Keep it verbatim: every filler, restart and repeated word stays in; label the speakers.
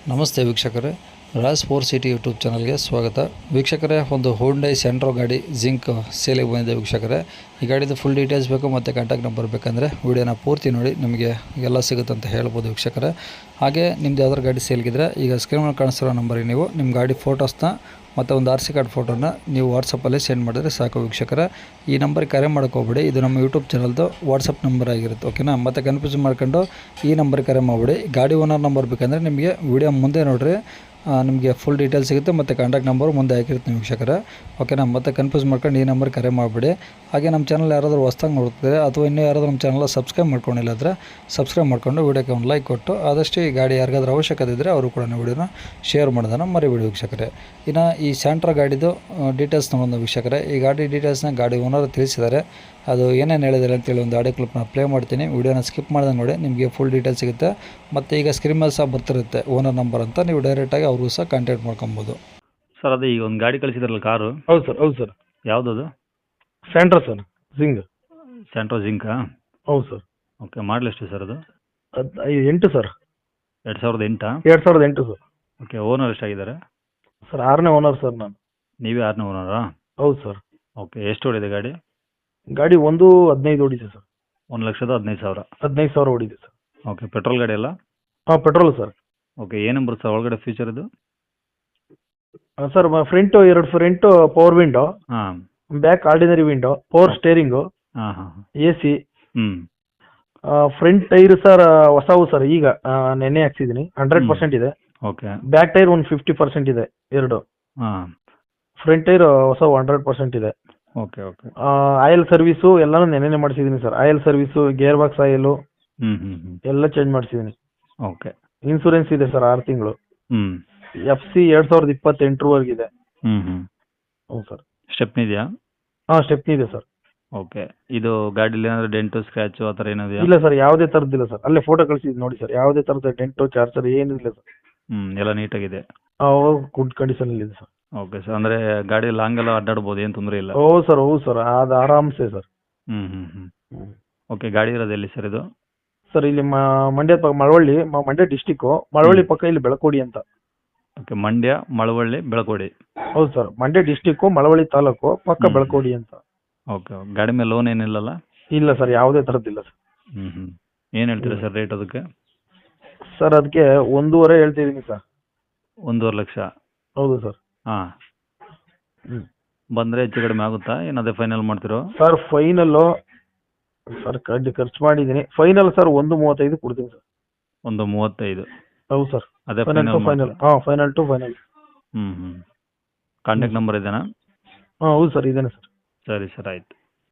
Speaker 1: ನಮಸ್ತೆ ವೀಕ್ಷಕರೇ, Raj four city YouTube ಚಾನಲ್ಗೆ ಸ್ವಾಗತ. ವೀಕ್ಷಕರೇ, ಒಂದು ಹೋಂಡೈ ಸೆಂಟ್ರೋ ಗಾಡಿ ಜಿಂಕ್ ಸೇಲಿಗೆ ಬಂದಿದೆ ವೀಕ್ಷಕರೇ. ಈ ಗಾಡಿದು ಫುಲ್ ಡೀಟೇಲ್ಸ್ ಬೇಕು ಮತ್ತು ಕಾಂಟ್ಯಾಕ್ಟ್ ನಂಬರ್ ಬೇಕಂದರೆ ವಿಡಿಯೋನ ಪೂರ್ತಿ ನೋಡಿ, ನಿಮಗೆ ಎಲ್ಲ ಸಿಗುತ್ತೆ ಅಂತ ಹೇಳ್ಬೋದು ವೀಕ್ಷಕರೇ. ಹಾಗೆ ನಿಮ್ದು ಯಾವ್ದಾರು ಗಾಡಿ ಸೇಲ್ಗಿದ್ರೆ ಈಗ ಸ್ಕ್ರೀನ್ ಮೇಲೆ ಕಾಣಿಸ್ತಿರೋ ನಂಬರಿಗೆ ನೀವು ನಿಮ್ಮ ಗಾಡಿ ಫೋಟೋಸ್ನ ಮತ್ತು ಒಂದು ಆರ್ ಸಿ ಕಾರ್ಡ್ ಫೋಟೋನ ನೀವು ವಾಟ್ಸಪ್ಪಲ್ಲಿ ಸೆಂಡ್ ಮಾಡಿದ್ರೆ ಸಾಕು ವೀಕ್ಷಕರೇ. ಈ ನಂಬರ್ಗೆ ಕರೆ ಮಾಡೋಕೆ ಹೋಗ್ಬೇಡಿ, ಇದು ನಮ್ಮ ಯೂಟ್ಯೂಬ್ ಚಾನಲ್ದು ವಾಟ್ಸಪ್ ನಂಬರ್ ಆಗಿರುತ್ತೆ, ಓಕೆನಾ. ಮತ್ತು ಕನ್ಫ್ಯೂಸ್ ಮಾಡ್ಕೊಂಡು ಈ ನಂಬರ್ಗೆ ಕರೆ ಮಾಡಿಬಿಡಿ. ಗಾಡಿ ಓನರ್ ನಂಬರ್ ಬೇಕಂದರೆ ನಿಮಗೆ ವಿಡಿಯೋ ಮುಂದೆ ನೋಡಿರಿ, ನಿಮಗೆ ಫುಲ್ ಡೀಟೇಲ್ಸ್ ಸಿಗುತ್ತೆ ಮತ್ತು ಕಾಂಟ್ಯಾಕ್ಟ್ ನಂಬರ್ ಮುಂದೆ ಹಾಕಿರ್ತೀನಿ ವೀಕ್ಷಕರೇ, ಓಕೆನಾ. ಮತ್ತೆ ಕನ್ಫ್ಯೂಸ್ ಮಾಡ್ಕೊಂಡು ಈ ನಂಬರ್ ಕರೆ ಮಾಡಿಬಿಡಿ. ಹಾಗೆ ನಮ್ಮ ಚಾನಲ್ ಯಾರಾದರೂ ಹೊಸ್ದಾಗಿ ನೋಡ್ತಿದ್ರೆ ಅಥವಾ ಇನ್ನೂ ಯಾರಾದರೂ ನಮ್ಮ ಚಾನಲ್ ಸಬ್ಸ್ಕ್ರೈಬ್ ಮಾಡ್ಕೊಂಡಿಲ್ಲ ಅಂದರೆ ಸಬ್ಸ್ಕ್ರೈಬ್ ಮಾಡ್ಕೊಂಡು ವಿಡಿಯೋಕ್ಕೆ ಒಂದು ಲೈಕ್ ಕೊಟ್ಟು ಆದಷ್ಟು ಈ ಗಾಡಿ ಯಾರಿಗಾದ್ರೂ ಅವಶ್ಯಕತೆ ಇದ್ದರೆ ಅವರು ಕೂಡ ವಿಡಿಯೋನ ಶೇರ್ ಮಾಡೋದನ್ನು ಮರಿಬೇಡಿ ವೀಕ್ಷಕರೇ. ಇನ್ನು ಈ ಸ್ಯಾಂಟ್ರಾ ಗಾಡಿದು ಡೀಟೇಲ್ಸ್ ನೋಡೋಣ ವೀಕ್ಷಕರೇ. ಈ ಗಾಡಿ ಡೀಟೇಲ್ಸ್ನ ಗಾಡಿ ಓನರ್ ತಿಳಿಸಿದ್ದಾರೆ, ಅದು ಏನೇನು ಹೇಳಿದ್ದಾರೆ ಅಂತೇಳಿ ಒಂದು ಆಡಿಯೋ ಕ್ಲಿಪ್ನ ಪ್ಲೇ ಮಾಡ್ತೀನಿ. ವಿಡಿಯೋನ ಸ್ಕಿಪ್ ಮಾಡಿದ್ರೆ ನೋಡಿ, ನಿಮಗೆ ಫುಲ್ ಡೀಟೇಲ್ಸ್ ಸಿಗುತ್ತೆ. ಮತ್ತು ಈಗ ಸ್ಕ್ರೀನ್ ಮೇಲೆ ಸಹ ಬರ್ತಿರುತ್ತೆ ಓನರ್ ನಂಬರ್ ಅಂತ, ನೀವು ಡೈರೆಕ್ಟಾಗಿ ಅವ್ರಿಗೂ ಸಹ ಕಾಂಟ್ಯಾಕ್ಟ್ ಮಾಡ್ಕೊಬೋದು.
Speaker 2: ಸರ್ ಅದೇ ಈಗ ಒಂದು ಗಾಡಿ ಕಳಿಸಿದ್ರಲ್ಲ ಕಾರು,
Speaker 3: ಹೌದು ಸರ್ ಹೌದು ಸರ್
Speaker 2: ಯಾವುದದು?
Speaker 3: Santro sir Xing.
Speaker 2: ಸ್ಯಾಂಟ್ರೋ ಜಿಂಕಾ?
Speaker 3: ಹೌದು ಸರ್.
Speaker 2: ಓಕೆ, ಮಾಡಲ್ ಎಷ್ಟು ಸರ್ ಅದು?
Speaker 3: ಅದು ಐ- ಎಂಟು ಸರ್.
Speaker 2: ಎರಡು ಸಾವಿರದ ಎಂಟಾ?
Speaker 3: ಎರಡು ಸಾವಿರದ ಎಂಟು ಸರ್.
Speaker 2: ಓಕೆ, ಓನರ್ ಎಷ್ಟಾಗಿದ್ದಾರೆ?
Speaker 3: ಸರ್ ಆರನೇ ಓನರ್ ಸರ್ ನಾನು.
Speaker 2: ನೀವೇ ಆರನೇ ಓನರಾ?
Speaker 3: ಹೌದು ಸರ್.
Speaker 2: ಓಕೆ, ಎಷ್ಟು ಹೊಡಿದೆ ಗಾಡಿ?
Speaker 3: ಗಾಡಿ ಒಂದು ಹದಿನೈದು ಓಡಿದೆ ಸರ್.
Speaker 2: ಒಂದು ಲಕ್ಷದ ಹದಿನೈದು ಸಾವಿರ?
Speaker 3: ಹದಿನೈದು ಸಾವಿರ ಓಡಿದೆ ಸರ್.
Speaker 2: ಓಕೆ, ಪೆಟ್ರೋಲ್ ಗಾಡಿ ಅಲ್ಲ?
Speaker 3: ಹಾಂ ಪೆಟ್ರೋಲ್ ಸರ್.
Speaker 2: ಓಕೆ, ಏನು ಬರುತ್ತೆ ಸರ್ ಒಳಗಡೆ ಫೀಚರ್ ಇದು?
Speaker 3: ಹಾಂ ಸರ್, ಫ್ರಂಟು ಎರಡು ಫ್ರಂಟು ಪವರ್ ವಿಂಡೋ,
Speaker 2: ಹಾಂ
Speaker 3: back ordinary window, power steering,
Speaker 2: ಹಾಂ ಹಾಂ
Speaker 3: ಎ ಸಿ.
Speaker 2: ಹ್ಞೂ
Speaker 3: ಫ್ರಂಟ್ ಟೈರ್ ಸರ್ ಹೊಸವು ಸರ್, ಈಗ ಆ, ನೆನ್ನೆ ಹಾಕ್ಸಿದ್ದೀನಿ. ಹಂಡ್ರೆಡ್ ಪರ್ಸೆಂಟ್ ಇದೆ.
Speaker 2: ಓಕೆ.
Speaker 3: ಬ್ಯಾಕ್ ಟೈರ್ ಒಂದು ಫಿಫ್ಟಿ ಪರ್ಸೆಂಟ್ ಇದೆ ಎರಡು.
Speaker 2: ಹಾಂ
Speaker 3: ಫ್ರಂಟ್ ಟೈರ್ ಹೊಸವು ಹಂಡ್ರೆಡ್ ಪರ್ಸೆಂಟ್ ಇದೆ.
Speaker 2: Okay okay.
Speaker 3: ಆಯಿಲ್ ಸರ್ವಿಸು ಎಲ್ಲಾನು ನೆನ್ನೆನೆ ಮಾಡಿಸಿದ್ದೀನಿ sir. Oil service, gear box oil
Speaker 2: ಹ್ಞೂ ಹ್ಞೂ ಹ್ಞೂ
Speaker 3: ಎಲ್ಲ ಚೇಂಜ್ ಮಾಡಿಸಿದ್ದೀನಿ.
Speaker 2: ಓಕೆ.
Speaker 3: ಇನ್ಸೂರೆನ್ಸ್ ಇದೆ ಸರ್ ಆರು ತಿಂಗಳು.
Speaker 2: ಹ್ಞೂ
Speaker 3: ಎಫ್ ಸಿ ಎರಡ್ ಸಾವಿರದ ಇಪ್ಪತ್ತೆಂಟರವರೆಗಿದೆ.
Speaker 2: ಹ್ಞೂ ಹ್ಞೂ
Speaker 3: ಹ್ಞೂ ಸರ್.
Speaker 2: ಸ್ಟೆಪ್ನಿ ಇದೆಯಾ?
Speaker 3: ಹಾಂ ಸ್ಟೆಪ್ನಿ ಇದೆ ಸರ್.
Speaker 2: ಓಕೆ, ಇದು ಗಾಡೀಲಿ ಏನಾದರೂ ಡೆಂಟು ಸ್ಕ್ರ್ಯಾಚು ಆ ಥರ ಏನಿದೆಯಾ?
Speaker 3: ಇಲ್ಲ ಸರ್, ಯಾವುದೇ ಥರದ್ದಿಲ್ಲ ಸರ್. ಅಲ್ಲೇ ಫೋಟೋ ಕಳಿಸಿದ್ದು ನೋಡಿ ಸರ್, ಯಾವುದೇ ಥರದ ಡೆಂಟು ಚಾರ್ಜರ್ ಏನಿಲ್ಲ ಸರ್.
Speaker 2: ಹ್ಞೂ ಎಲ್ಲ ನೀಟಾಗಿದೆ?
Speaker 3: ಗುಡ್ ಕಂಡೀಷನ್ ಇದೆ ಸರ್.
Speaker 2: ಓಕೆ ಸರ್, ಅಂದರೆ ಗಾಡಿ ಲಾಂಗ್ ಎಲ್ಲ ಅಡ್ಡಾಡ್ಬೋದು, ಏನು ತೊಂದರೆ ಇಲ್ಲ?
Speaker 3: ಹೌದು ಸರ್ ಹೌದು ಸರ್, ಅದು ಆರಾಮ್ಸೆ ಸರ್.
Speaker 2: ಹ್ಞೂ ಹ್ಞೂ ಹ್ಞೂ ಓಕೆ, ಗಾಡಿ ಇರೋದು ಎಲ್ಲಿ ಸರ್ ಇದು?
Speaker 3: ಸರ್ ಇಲ್ಲಿ ಮ- ಮಂಡ್ಯ ಪಕ್ಕ ಮಳವಳ್ಳಿ, ಮ- ಮಂಡ್ಯ ಡಿಸ್ಟಿಕ್ಕು ಮಳವಳ್ಳಿ ಪಕ್ಕ ಇಲ್ಲಿ ಬೆಳಕೋಡಿ ಅಂತ.
Speaker 2: ಓಕೆ, ಮಂಡ್ಯ ಮಳವಳ್ಳಿ ಬೆಳಕೋಡಿ.
Speaker 3: ಹೌದು ಸರ್, ಮಂಡ್ಯ ಡಿಸ್ಟಿಕ್ಕು ಮಳವಳ್ಳಿ ತಾಲೂಕು ಪಕ್ಕ
Speaker 2: ಹ್ಮ್.
Speaker 3: ಬೆಳಕೋಡಿ ಅಂತ.
Speaker 2: ಓಕೆ, ಗಾಡಿ ಮೇಲೆ ಲೋನ್ ಏನಿಲ್ಲಲ್ಲ?
Speaker 3: ಇಲ್ಲ ಸರ್, ಯಾವುದೇ ಥರದ್ದಿಲ್ಲ ಸರ್.
Speaker 2: ಹ್ಞೂ ಹ್ಞೂ ಏನು ಹೇಳ್ತೀರಾ ಸರ್ ರೇಟ್ ಅದಕ್ಕೆ?
Speaker 3: ಸರ್ ಅದಕ್ಕೆ ಒಂದೂವರೆ ಹೇಳ್ತಿದ್ದೀನಿ ಸರ್.
Speaker 2: ಒಂದೂವರೆ ಲಕ್ಷ?
Speaker 3: ಹೌದು ಸರ್.
Speaker 2: ಹಾಂ,
Speaker 3: ಹ್ಮ್.
Speaker 2: ಬಂದರೆ ಹೆಚ್ಚು ಕಡಿಮೆ ಆಗುತ್ತಾ, ಏನು ಅದೇ ಫೈನಲ್ ಮಾಡ್ತಿರೋ?
Speaker 3: ಸರ್ ಫೈನಲ್ಲು ಸರ್ ಕಡ್ಡಿ ಖರ್ಚು ಮಾಡಿದ್ದೀನಿ. ಫೈನಲ್ ಸರ್ ಒಂದು ಮೂವತ್ತೈದು ಕೊಡ್ತೀನಿ ಸರ್.
Speaker 2: ಒಂದು ಮೂವತ್ತೈದು?
Speaker 3: ಹೌದು ಸರ್.
Speaker 2: ಅದೇ
Speaker 3: ಫೈನಲ್ ಟು
Speaker 2: ಫೈನಲ್
Speaker 3: ಫೈನಲ್. ಹಾಂ ಫೈನಲ್ ಟು ಫೈನಲ್.
Speaker 2: ಹ್ಞೂ ಹ್ಞೂ ಕಾಂಟ್ಯಾಕ್ಟ್ ನಂಬರ್ ಇದೆಯಾ?
Speaker 3: ಹಾಂ ಹೌದು ಸರ್, ಇದೇನೆ ಸರ್.
Speaker 2: ಸರಿ ಸರ್, ಆಯಿತು.